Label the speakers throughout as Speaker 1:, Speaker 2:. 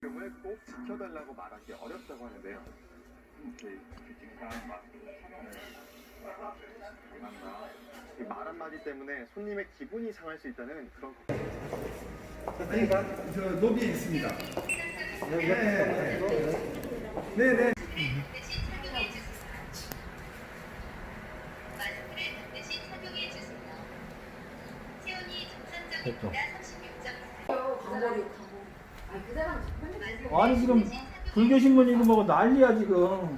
Speaker 1: 이름을 꼭 지켜달라고 말하기 어렵다고 하는데요. 이 말 한마디 때문에 손님의 기분이 상할 수 있다는 그런
Speaker 2: 선생님, 저 로비에 있습니다. 네네.
Speaker 3: 됐죠.
Speaker 4: 아니 지금 불교 신문 이거 뭐 난리야 지금.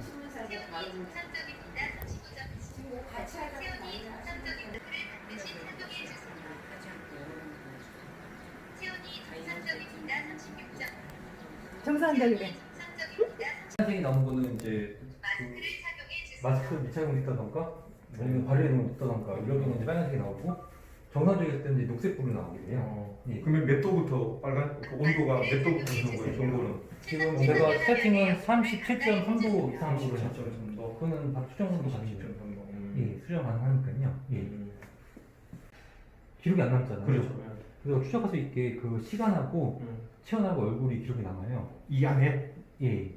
Speaker 5: 정상적이래.
Speaker 3: 생이 나온 거는 이제 그 마스크 미착용 있다던가 아니면 발열이 있다던가 이런 경우는 이제 빨간색이 나오고 정상적일 때는 이제 녹색불로 나오게 돼요. 예.
Speaker 2: 그러면 몇 도부터 빨간 그 온도가 몇 도부터 되는 거예요? 정도는?
Speaker 3: 지금 제가 세팅은 37.3도 이상으로
Speaker 2: 37.3도.
Speaker 3: 했죠. 그거는 바로 수정도 가능해요.
Speaker 2: 37.3도.
Speaker 3: 예, 수정 가능하니까요. 예. 기록이 안 남잖아요.
Speaker 2: 그렇죠.
Speaker 3: 그래서 추적할 수 있게 그 시간하고 체온하고 얼굴이 기록이 남아요.
Speaker 2: 이 안에?
Speaker 3: 예.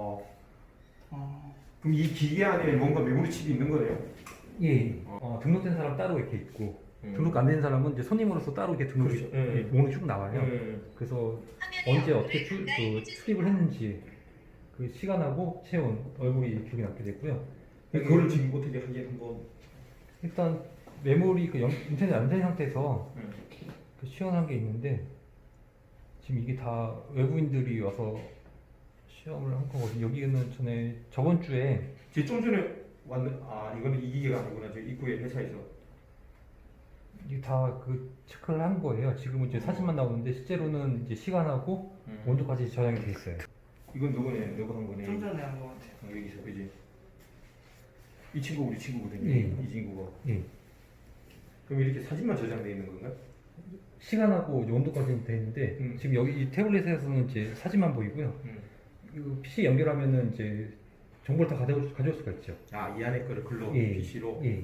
Speaker 2: 그럼 이 기계 안에 뭔가 메모리 칩이 있는 거네요?
Speaker 3: 예. 등록된 사람 따로 이렇게 있고 등록 안 된 사람은 이제 손님으로서 따로 이렇게 등록이
Speaker 2: 그렇죠.
Speaker 3: 목록이 쭉 나와요. 그래서 언제 어떻게 출입을 했는지 그 시간하고 체온, 얼굴이 기록이 남게 되고요.
Speaker 2: 그걸 지금 어떻게 하게 한번
Speaker 3: 일단 메모리 그 인터넷 안 된 상태에서 그 시연한 게 있는데 지금 이게 다 외부인들이 와서 시험을 한 거거든요. 여기는 전에 저번 주에
Speaker 2: 제 좀 전에 왔는 이거는 이 기계가 아니구나. 저 입구에 회사에서
Speaker 3: 이게 다 그 체크를 한 거예요. 지금은 이제 사진만 나오는데 실제로는 이제 시간하고 온도까지 저장이 돼 있어요.
Speaker 2: 이건 누구네? 누구 한 거네?
Speaker 4: 좀 전에 한 것 같아요.
Speaker 2: 여기서 그지? 이 친구 우리 친구거든요.
Speaker 3: 예.
Speaker 2: 이 친구가.
Speaker 3: 예.
Speaker 2: 그럼 이렇게 사진만 저장돼 있는 건가?
Speaker 3: 시간하고 이제 온도까지 돼 있는데 지금 여기 이 태블릿에서는 이제 사진만 보이고요. 이거 PC 연결하면은 이제 정보를 다 가져올 수가 있죠.
Speaker 2: 이 안에 거를 글로
Speaker 3: 예.
Speaker 2: PC로.
Speaker 3: 예.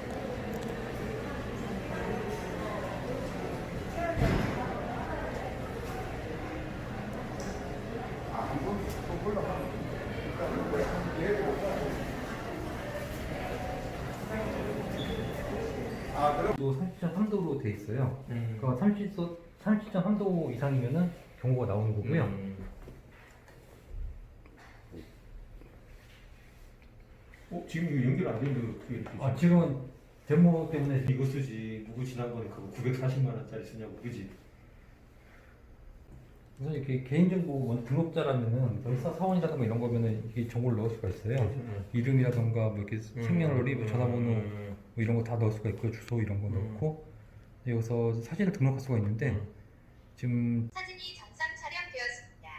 Speaker 3: 또 30.3도로 돼 있어요. 그러니까 30.3도 이상이면은 경고가 나오는 거고요.
Speaker 2: 지금 이거 연결 안 되는데 어떻게 이렇게?
Speaker 3: 지금은 데모 때문에
Speaker 2: 이거 쓰지. 누구 지난번에 그거 940만 원짜리 쓰냐고 그지?
Speaker 3: 우선 이렇게 개인정보 먼저 등록자라면은 사원이라든가 이런 거면은 이게 정보를 넣을 수가 있어요. 이름이라든가 뭐 이렇게 생년월일, 뭐 전화번호 뭐 이런 거 다 넣을 수가 있고요. 주소 이런 거 넣고 여기서 사진을 등록할 수가 있는데 지금
Speaker 6: 사진이 정상 촬영되었습니다.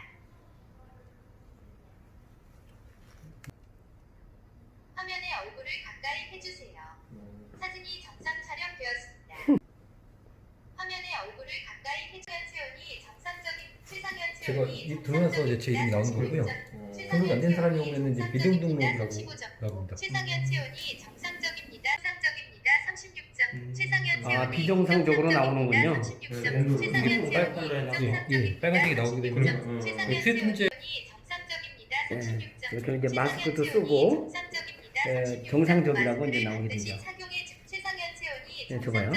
Speaker 6: 화면에 얼굴을 가까이 해주세요. 사진이 정상 촬영되었습니다. 화면에 얼굴을 가까이 해줘야 체온이 정상적인 최상현
Speaker 3: 제가
Speaker 6: 체온이
Speaker 3: 이 등록해서 이제 제 이름이 나오는 거고요. 등록이 안 된 사람이 오면은 이제 미등 등록이라고 합니다.
Speaker 6: 최상현 체온이 정상적입니다. 정상적입니다. 36점. 최상현 체온이
Speaker 7: 비정상적으로 나오는군요.
Speaker 6: 36점. 최상현 체온이
Speaker 3: 빨간색이 나오게 되면
Speaker 6: 최상현 체온이 정상적입니다. 36점.
Speaker 7: 이렇게 이제 마스크도 쓰고 정상적이라고 이제 나오게 되죠. 네, 저거요.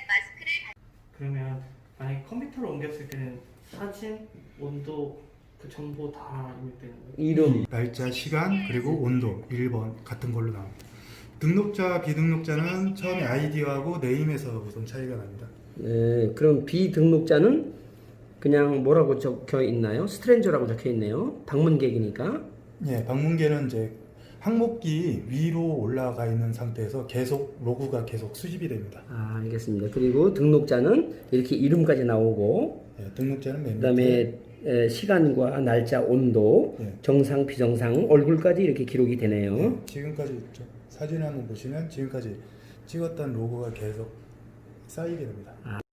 Speaker 4: 그러면 만약에 컴퓨터로 옮겼을 때는 사진, 온도 그 정보 다 입력되는 거예요?
Speaker 7: 이름,
Speaker 8: 날짜, 시간, 그리고 온도 1번 같은 걸로 나옵니다. 등록자, 비등록자는 처음에 아이디하고 네임에서 우선 차이가 납니다.
Speaker 7: 그럼 비등록자는 그냥 뭐라고 적혀 있나요? 스트레인저라고 적혀 있네요. 방문객이니까.
Speaker 8: 예, 방문계는 이제 항목기 위로 올라가 있는 상태에서 계속 로그가 계속 수집이 됩니다.
Speaker 7: 알겠습니다. 그리고 등록자는 이렇게 이름까지 나오고
Speaker 8: 예, 등록자는 맨 밑에,
Speaker 7: 그다음에 시간과 날짜, 온도,
Speaker 8: 예.
Speaker 7: 정상, 비정상, 얼굴까지 이렇게 기록이 되네요.
Speaker 8: 예, 지금까지 사진 한번 보시면 지금까지 찍었던 로고가 계속 쌓이게 됩니다.